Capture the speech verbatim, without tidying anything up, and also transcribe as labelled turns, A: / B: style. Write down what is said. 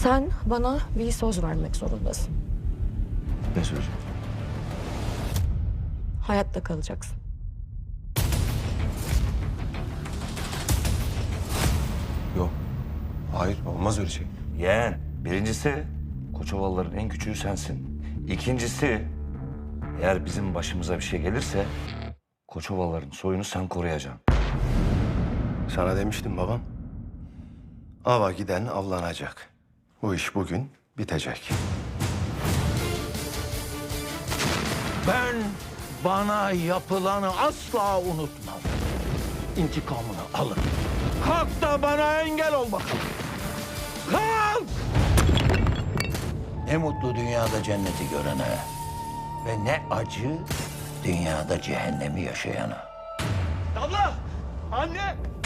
A: Sen bana bir söz vermek zorundasın.
B: Ne sözü?
A: Hayatta kalacaksın.
B: Yok. Hayır, olmaz öyle şey.
C: Yeğen, birincisi Koçovalıların en küçüğü sensin. İkincisi, eğer bizim başımıza bir şey gelirse Koçovalıların soyunu sen koruyacaksın.
B: Sana demiştim babam. Ava giden avlanacak. Bu iş bugün bitecek.
D: Ben bana yapılanı asla unutmam. İntikamını alırım. Kalk da bana engel ol bakalım. Kalk! Ne mutlu dünyada cenneti görene ve ne acı dünyada cehennemi yaşayana.
E: Abla! Anne!